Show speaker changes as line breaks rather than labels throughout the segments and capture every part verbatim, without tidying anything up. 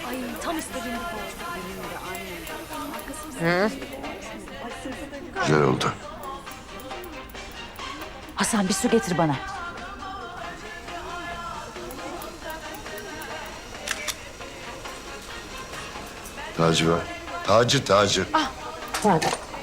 Ay tam istediğim gibi oldu. Benim de aynen.
Hı?
Güzel oldu.
Hasan bir su getir bana.
Tacı var. Tacı, tacı.
Ah, tamam.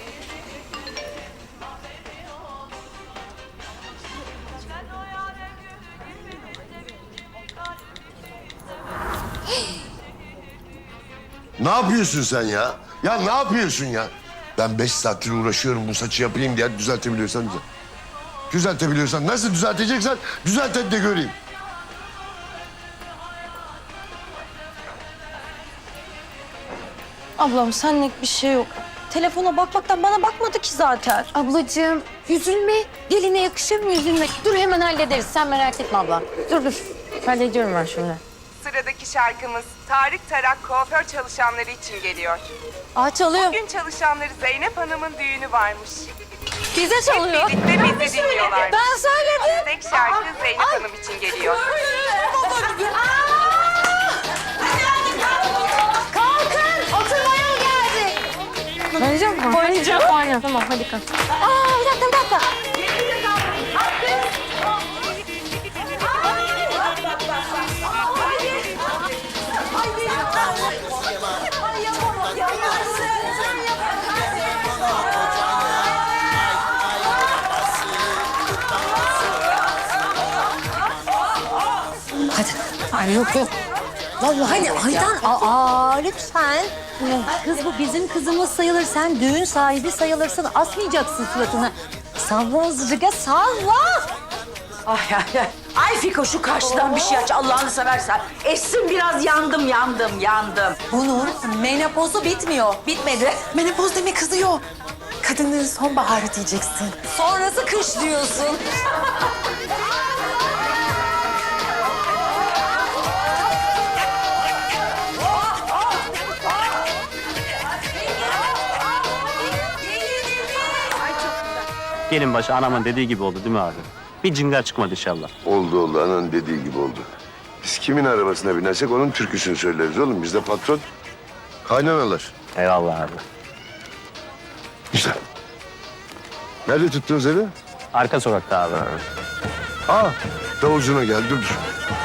Ne yapıyorsun sen ya? Ya ne yapıyorsun ya? Ben beş saattir uğraşıyorum bu saçı yapayım diye düzeltebiliyorsan düzelt. Düzeltebiliyorsan nasıl düzelteceksen düzelt hadi de göreyim.
Ablam senlik bir şey yok. Telefona bakmaktan bana bakmadı ki zaten.
Ablacığım üzülme. Geline yakışır mı üzülmek? Dur hemen hallederiz. Sen merak etme abla. Dur dur. Hallediyorum ben şimdi.
Sıradaki şarkımız Tarık Tarak kuaför çalışanları için geliyor.
Aa çalıyor.
Bugün çalışanları Zeynep Hanım'ın düğünü varmış.
Bize çalıyor.
Birlikte bizi dinliyorlar.
Ben söyledim.
Tek şarkı Zeynep Hanım için geliyor.
Kalkın. Oturmaya mı geldik? Oynayacak mı? Oynayacağım. Oyna. Tamam hadi kalk. Aa bir dakika bir dakika. Hadi. Ay yok yok. Vallahi Aydan, aa lütfen. Kız bu bizim kızımız sayılır. Sen düğün sahibi sayılırsın. Asmayacaksın suratını. Salla azıcık, salla.
Ay ay ay. Ay Fiko şu karşıdan bir şey aç Allah'ını seversen. Essin biraz yandım yandım yandım.
Bunun menopozu bitmiyor. Bitmedi.
Menopoz deme kızıyor. Kadının sonbaharı diyeceksin.
Sonrası kış diyorsun.
Gelin başı anamın dediği gibi oldu değil mi abi? Bir cingar çıkmadı inşallah.
Oldu oldu ananın dediği gibi oldu. Biz kimin arabasına binersek onun türküsünü söyleriz oğlum. Bizde patron kaynanalar.
Eyvallah abi.
Güzel. Nerede tuttunuz evi?
Arka sokakta abi.
Aa davulcuna gel dur dur.